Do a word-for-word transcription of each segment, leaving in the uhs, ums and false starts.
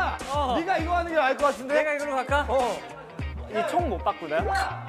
야, 어. 네가 이거 하는 게 나을 것 같은데? 내가 이걸로 갈까? 어. 이 총 못 바꾸나요?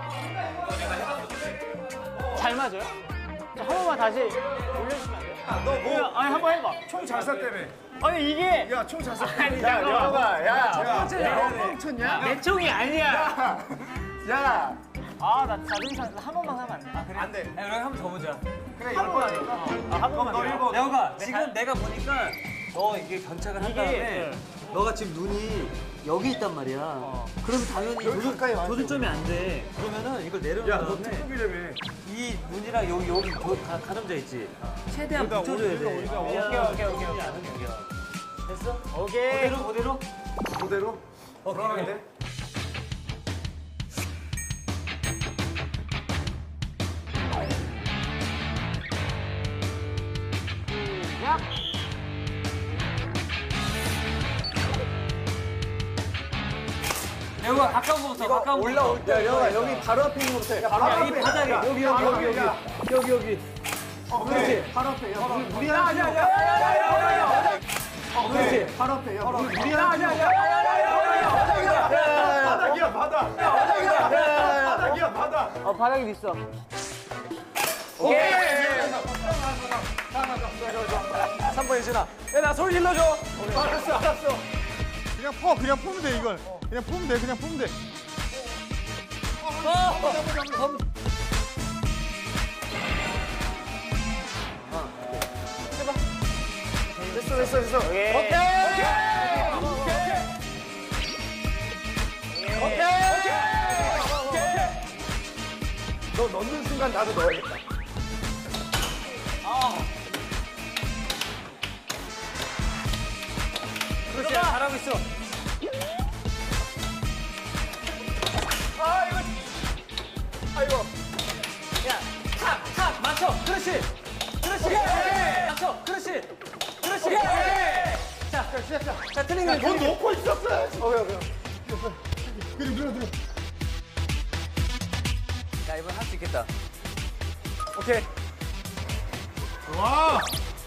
잘 맞아요? 한 번만 다시 올려주시면 안 돼요? 너 뭐? 아니 한 번 해봐. 총 잘 쐈다며. 아니 이게 야, 총 잘 쐈. 아니 야, 영호가, 야, 첫 번째 야, 내가 뻥쳤냐? 내 총이 아니야. 야, 아 나 자존심 한 번만 하면 안 돼? 아 그래? 안 돼. 야, 그럼 한 번 더 보자. 그래, 열 번 아니까. 아, 한 번만 너 더. 일 번. 야호가 지금 내가 보니까 너 이게 견착을 한 이게, 다음에 네. 너가 지금 눈이 여기 있단 말이야. 그러면 당연히 여기 가까이 와야 조준, 조준점이 안 돼. 그러면은 이걸 내려놓은 야, 너 다음에 특급이라며. 이 눈이랑 여기 여기 조, 가, 가름자 있지. 최대한 여기다, 붙여줘야 여기다, 돼. 여기다, 오케이 오케이 오케이 오케이. 됐어? 오케이. 그대로 그대로. 그대로? 어, 그러는데? 야호가 가까운 거부터 가까운 거부터. 올라올 때, 영호가 여기 바로 앞에 있는 거부터 해. 바로 야, 앞에. 이 바닥에 야, 여기 여기 여기 여기 야. 여기 여기. 어, 그렇지. 바로 앞에. 야, 우리 우리 하나. 야, 야, 야, 야, 야, 야. 어, 그렇지. 바로 앞에. 야, 우리 우리 하나. 야, 야, 야, 바닥이야, 바닥. 바닥이야, 바닥. 어 바닥에 있어. 오케이. 삼 번 예진아. 야나 소리 질러줘. 알았어, 알았어. 그냥 퍼, 그냥 푸면 돼 이걸. 그냥 푸면 돼, 그냥 푸면 돼. 됐어, 됐어, 됐어. 오케이. 오케이. 오케이. 오케이. 너 넣는 순간 나도 넣어야겠다. 그렇지. 잘하고 있어. 아, 이거. 아이고. 야, 탁, 탁, 맞춰. 그렇지. 그렇지. 맞춰. 그렇지. 그렇지. 자, 시작, 시작. 자, 틀린 거. 돈 넣고 있었어야지. 어, 왜, 왜. 그래, 들어, 들어. 야 이번 할 수 있겠다. 오케이. 와.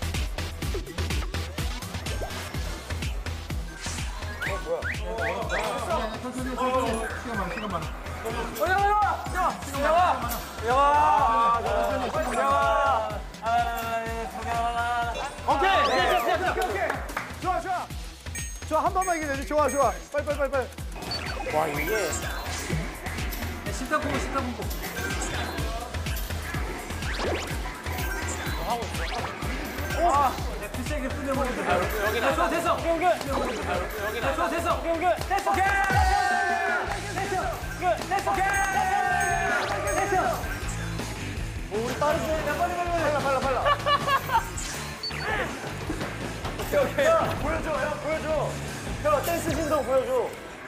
어, 야, 야, 야, 야, 야, 야, 오케이. 오케이, 오케이, 오케이. 좋아, 좋아. 좋아, 한 번만 이기면 되지. 좋아, 좋아. 빨리, 빨리, 빨리, 빨리. 와, 이게. 심장 콩고 심장 콩고. 와, 비싸게 뿌려먹는 거. 여기 다 좋아, 됐어. 오케이, 오케이. 여기 다 좋아, 됐어. 오케이, 오케이. 됐어. 오케이. 됐어. 끝. 됐어. 오케이. 됐어. 오, 우리 빠르지? 야, 빨리, 빨리, 빨리. 빨라, 빨라, 빨라. 오케이, 오케이. 야, 보여줘, 야, 보여줘. 형, 댄스 진동 보여줘.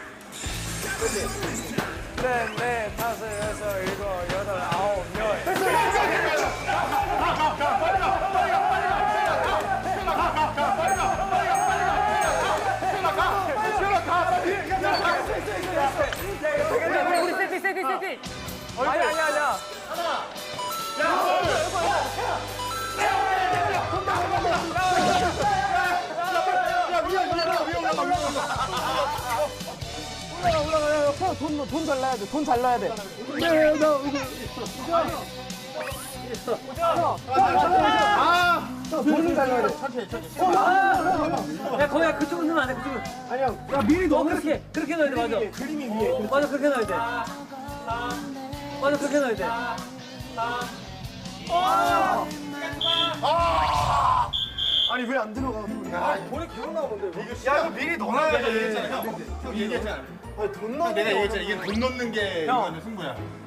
그렇지. 넷, 넷, 다섯, 여섯, 일곱, 여덟, 아홉, 열. 됐어, 됐어. 우리 세팅, 세팅, 세팅. 아니, 아니, 아니야. 야, 위에 올라가, 위에 올라가, 위에 올라가. 올라가, 올라가. 야, 돈, 돈 잘 넣어야 돼. 돈 잘 넣어야 돼. 네, 나 아, 돈을 잘 넣어야 돼. 야 거기야 그쪽으로 넣으면 안 돼. 그쪽으로. 아니야. 야, 미리 어 넣어. 그렇게 그렇게 넣어야 돼. 맞아. 그림이 위에. 맞아 그렇게 넣어야 돼. 맞아 그렇게 넣어야 돼. 아니, 왜 안 들어가? 야, 돈이 계속 나오는데. 야, 이거 미리 넣어놔야 돼. 형 얘기했잖아. 아니, 돈 넣는 내가 게 얘기했잖아. 이게 돈 넣는 게 이거는 승부야.